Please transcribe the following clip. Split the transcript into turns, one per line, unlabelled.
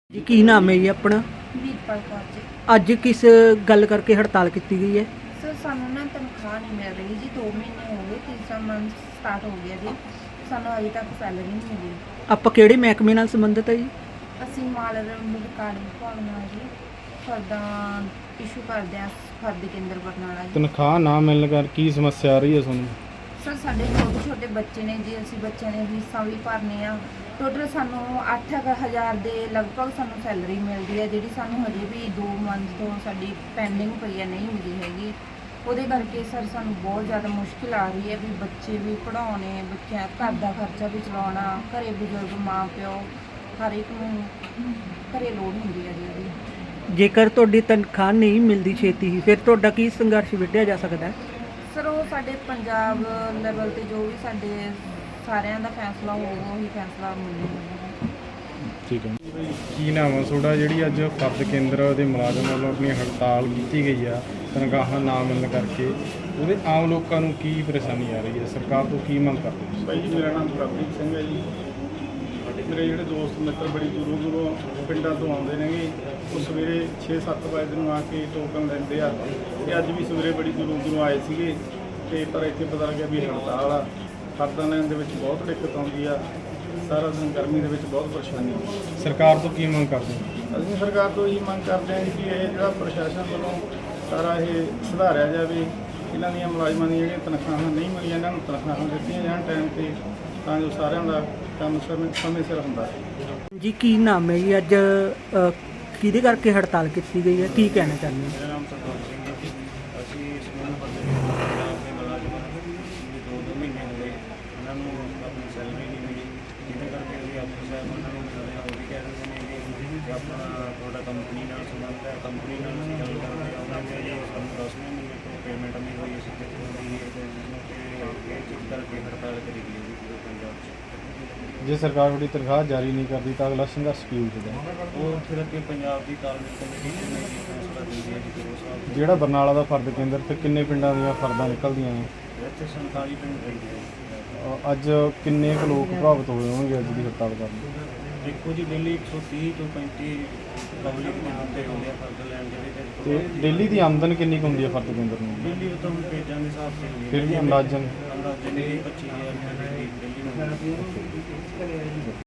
ਜੀ ਕੀ ਨਾਮ ਹੈ ਜੀ ਆਪਣਾ?
ਵੀਰਪਾਲ ਕੌਰ ਜੀ।
ਅੱਜ ਕਿਸ ਗੱਲ ਕਰਕੇ ਹੜਤਾਲ ਕੀਤੀ ਗਈ ਹੈ?
ਸਰ ਸਾਨੂੰ ਨਾ ਤਨਖਾਹ ਨਹੀਂ ਮਿਲ ਰਹੀ ਜੀ, 2 ਮਹੀਨੇ ਹੋ ਗਏ, ਤੀਸਰਾ ਮੰਥ ਸਟਾਰਟ ਹੋ ਗਿਆ ਜੀ, ਸਾਨੂੰ ਅਜੇ ਤੱਕ ਸੈਲਰੀ ਨਹੀਂ ਮਿਲੀ।
ਆਪਾਂ ਕਿਹੜੇ ਮਹਿਕਮੇ ਨਾਲ ਸੰਬੰਧਿਤ ਹੈ ਜੀ?
ਅਸੀਂ ਮਾਲ ਰਿਕਾਰਡ ਵਿਭਾਗ ਨਾਲ ਜੀ ਫਰਦਾਂ ਇਸ਼ੂ ਕਰਦੇ ਹਾਂ, ਫਰਦ ਕੇਂਦਰ ਬਰਨਾਲਾ ਜੀ।
ਤਨਖਾਹ ਨਾ ਮਿਲਣ ਕਰ ਕੀ ਸਮੱਸਿਆ ਆ ਰਹੀ ਹੈ ਤੁਹਾਨੂੰ?
ਸਰ ਸਾਡੇ ਛੋਟੇ ਛੋਟੇ ਬੱਚੇ ਨੇ ਜੀ, ਅਸੀਂ ਬੱਚਿਆਂ ਦੀਆਂ ਫੀਸਾਂ ਵੀ ਭਰਨੇ ਆ। ਟੋਟਲ ਸਾਨੂੰ 8,000 ਦੇ ਲਗਭਗ ਸਾਨੂੰ ਸੈਲਰੀ ਮਿਲਦੀ ਹੈ, ਜਿਹੜੀ ਸਾਨੂੰ ਹਜੇ ਵੀ 2 ਮੰਥ ਤੋਂ ਸਾਡੀ ਪੈਂਡਿੰਗ ਪਈ ਹੈ, ਨਹੀਂ ਮਿਲੀ ਹੈਗੀ। ਉਹਦੇ ਕਰਕੇ ਸਰ ਸਾਨੂੰ ਬਹੁਤ ਜ਼ਿਆਦਾ ਮੁਸ਼ਕਿਲ ਆ ਰਹੀ ਹੈ ਵੀ ਬੱਚੇ ਵੀ ਪੜ੍ਹਾਉਣੇ, ਬੱਚਿਆਂ ਘਰ ਦਾ ਖਰਚਾ ਵੀ ਚਲਾਉਣਾ, ਘਰੇ ਬਜ਼ੁਰਗ ਮਾਂ ਪਿਓ ਹਰ ਇੱਕ ਨੂੰ ਘਰੇ ਲੋੜ ਹੁੰਦੀ ਹੈ ਜੀ ਉਹਦੀ।
ਜੇਕਰ ਤੁਹਾਡੀ ਤਨਖਾਹ ਨਹੀਂ ਮਿਲਦੀ ਛੇਤੀ ਹੀ, ਫਿਰ ਤੁਹਾਡਾ ਕੀ ਸੰਘਰਸ਼ ਵਿੱਢਿਆ ਜਾ ਸਕਦਾ ਹੈ?
ਸਰ ਉਹ ਸਾਡੇ ਪੰਜਾਬ ਲੈਵਲ ਤੇ ਜੋ ਵੀ ਸਾਡੇ ਸਾਰਿਆਂ ਦਾ ਫੈਸਲਾ ਹੋਊਗਾ ਉਹੀ ਫੈਸਲਾ ਮਿਲੇਗਾ।
ਠੀਕ ਹੈ। ਕੀ ਨਾਮ ਹੈ ਤੁਹਾਡਾ? ਜਿਹੜੀ ਅੱਜ ਫਰਦ ਕੇਂਦਰ ਦੇ ਮੁਲਾਜ਼ਮ ਵੱਲੋਂ ਆਪਣੀ ਹੜਤਾਲ ਕੀਤੀ ਗਈ ਆ ਤਨਖਾਹਾਂ ਨਾ ਮਿਲਣ ਕਰਕੇ, ਉਹਦੇ ਆਮ ਲੋਕਾਂ ਨੂੰ ਕੀ ਪਰੇਸ਼ਾਨੀ ਆ ਰਹੀ ਹੈ? ਸਰਕਾਰ ਤੋਂ ਕੀ ਮੰਗ ਕਰਦੇ ਹੋ?
ਭਾਈ ਜੀ ਮੇਰਾ ਨਾਮ ਪ੍ਰਭਜੀਤ ਸਿੰਘ ਹੈ ਜੀ। ਮੇਰੇ ਜਿਹੜੇ ਦੋਸਤ ਮਿੱਤਰ ਬੜੀ ਦੂਰੋਂ ਦੂਰੋਂ ਪਿੰਡਾਂ ਤੋਂ ਆਉਂਦੇ ਨੇਗੇ, ਉਹ ਸਵੇਰੇ 6-7 ਵਜੇ ਨੂੰ ਆ ਕੇ ਟੋਕਨ ਲੈਂਦੇ ਆ, ਅਤੇ ਅੱਜ ਵੀ ਸਵੇਰੇ ਬੜੀ ਦੂਰੋਂ ਦੂਰੋਂ ਆਏ ਸੀਗੇ, ਅਤੇ ਪਰ ਇੱਥੇ ਪਤਾ ਲੱਗਿਆ ਵੀ ਹੜਤਾਲ ਆ। ਫਰਦਾਂ ਲੈਣ ਦੇ ਵਿੱਚ ਬਹੁਤ ਦਿੱਕਤ ਆਉਂਦੀ ਆ, ਸਾਰਾ ਦਿਨ ਗਰਮੀ ਦੇ ਵਿੱਚ ਬਹੁਤ ਪਰੇਸ਼ਾਨੀ ਆ।
ਸਰਕਾਰ ਤੋਂ ਕੀ ਮੰਗ ਕਰਦੇ ਹੋ?
ਅਸੀਂ ਸਰਕਾਰ ਤੋਂ ਇਹੀ ਮੰਗ ਕਰਦੇ ਹਾਂ ਕਿ ਇਹ ਜਿਹੜਾ ਪ੍ਰਸ਼ਾਸਨ ਵੱਲੋਂ ਸਾਰਾ ਇਹ ਸੁਧਾਰਿਆ ਜਾਵੇ, ਇਹਨਾਂ ਦੀਆਂ ਮੁਲਾਜ਼ਮਾਂ ਦੀਆਂ ਜਿਹੜੀਆਂ ਤਨਖਾਹਾਂ ਨਹੀਂ ਮਿਲੀਆਂ, ਇਹਨਾਂ ਨੂੰ ਤਨਖਾਹਾਂ ਦਿੱਤੀਆਂ ਜਾਣ ਟਾਈਮ 'ਤੇ, ਤਾਂ ਜੋ ਸਾਰਿਆਂ ਦਾ ਕੰਮ ਸਮੇਂ ਸਿਰ ਹੁੰਦਾ ਹੈ।
ਜੀ ਕੀ ਨਾਮ ਹੈ ਜੀ? ਅੱਜ ਕਿਹਦੇ ਕਰਕੇ ਹੜਤਾਲ ਕੀਤੀ ਗਈ ਹੈ, ਕੀ ਕਹਿਣਾ ਚਾਹੁੰਦੇ ਹੋ?
ਮੇਰਾ ਨਾਮ ਸਰਦਾਰ ਸਿੰਘ ਹੈ ਜੀ। ਅਸੀਂ ਸਮੂਹ ਪੰਜਾਬ ਦੇ ਮੁਲਾਜ਼ਮਾਂ ਨੂੰ 2 ਮਹੀਨੇ ਹੋ ਗਏ, ਉਹਨਾਂ ਨੂੰ ਆਪਣੀ ਸੈਲਰੀ ਨਹੀਂ ਮਿਲੀ, ਜਿਹਦੇ ਕਰਕੇ ਅਸੀਂ ਅਫਸਰ ਸਾਹਿਬਾਨਾਂ ਨੂੰ ਮਿਲਦੇ ਹਾਂ, ਉਹ ਵੀ ਕਹਿ ਦਿੰਦੇ ਨੇ ਕਿ ਆਪਣਾ ਤੁਹਾਡਾ ਕੰਪਨੀ ਨਾਲ ਸੰਬੰਧ ਹੈ, ਕੰਪਨੀ ਨਾਲ ਅਸੀਂ ਗੱਲ ਕਰਦੇ ਹਾਂ, ਉਹਨਾਂ ਨੇ ਜੀ ਸਾਨੂੰ 10ਵੇਂ ਮਹੀਨੇ ਤੋਂ ਪੇਮੈਂਟ ਨਹੀਂ ਹੋਈ, ਅਸੀਂ ਕਿੱਥੋਂ ਹੋਈ ਹੈ, ਤੇ ਇਹ ਚੀਜ਼ ਕਰਕੇ ਹੜਤਾਲ ਕਰੀ ਗਈ ਹੈ ਪੂਰੇ ਪੰਜਾਬ 'ਚ।
ਜੇ ਸਰਕਾਰ ਤੁਹਾਡੀ ਤਨਖਾਹ ਜਾਰੀ ਨਹੀਂ ਕਰਦੀ ਤਾਂ ਅਗਲਾ ਸੰਘਰਸ਼ ਕੀ ਹੋਵੇਗਾ?
ਉਹ ਫਿਰ ਅੱਗੇ ਪੰਜਾਬ ਦੀ ਤਾਲਮੇਲ ਕਮੇਟੀ ਨੇ ਜੀ ਫੈਸਲਾ ਦਿੰਦੀ ਹੈ ਜੀ ਕਿ ਉਸ ਹਿਸਾਬ
ਜਿਹੜਾ ਬਰਨਾਲਾ ਦਾ ਫਰਦ ਕੇਂਦਰ ਤੇ ਕਿੰਨੇ ਪਿੰਡਾਂ ਦੀਆਂ ਫਰਦਾਂ ਨਿਕਲਦੀਆਂ ਨੇ?
ਨਾਲ ਇੱਥੇ 47 ਪਿੰਡ ਪੈਂਦੇ ਹੈ।
ਅੱਜ ਕਿੰਨੇ ਕੁ ਲੋਕ ਪ੍ਰਭਾਵਿਤ ਹੋਏ ਹੋਣਗੇ ਅੱਜ ਦੀ ਹੜਤਾਲ ਕਾਰਨ?
ਦੇਖੋ ਜੀ, ਡੇਲੀ 130 ਤੋਂ 35 ਪਬਲਿਕ ਦੇ ਬੰਦੇ ਹੁੰਦੇ ਆ ਫਰਦ ਲੈਣ ਜਿਹੜੇ
ਤੇ ਡੇਲੀ ਦੀ ਆਮਦਨ ਕਿੰਨੀ ਕੁ ਹੁੰਦੀ ਹੈ ਫਰਦ ਕੇਂਦਰ ਨੂੰ?
ਡੇਲੀ ਉਹ ਤਾਂ ਹੁਣ ਪੇਜਾਂ ਦੇ ਹਿਸਾਬ ਤੇ ਹੁੰਦੀ ਹੈ।
ਫਿਰ ਵੀ ਅੰਦਾਜ਼ਨ
ਅੰਦਾਜ਼ਨ 25,000 ਰੁਪਏ ਡੇਲੀ ਨੂੰ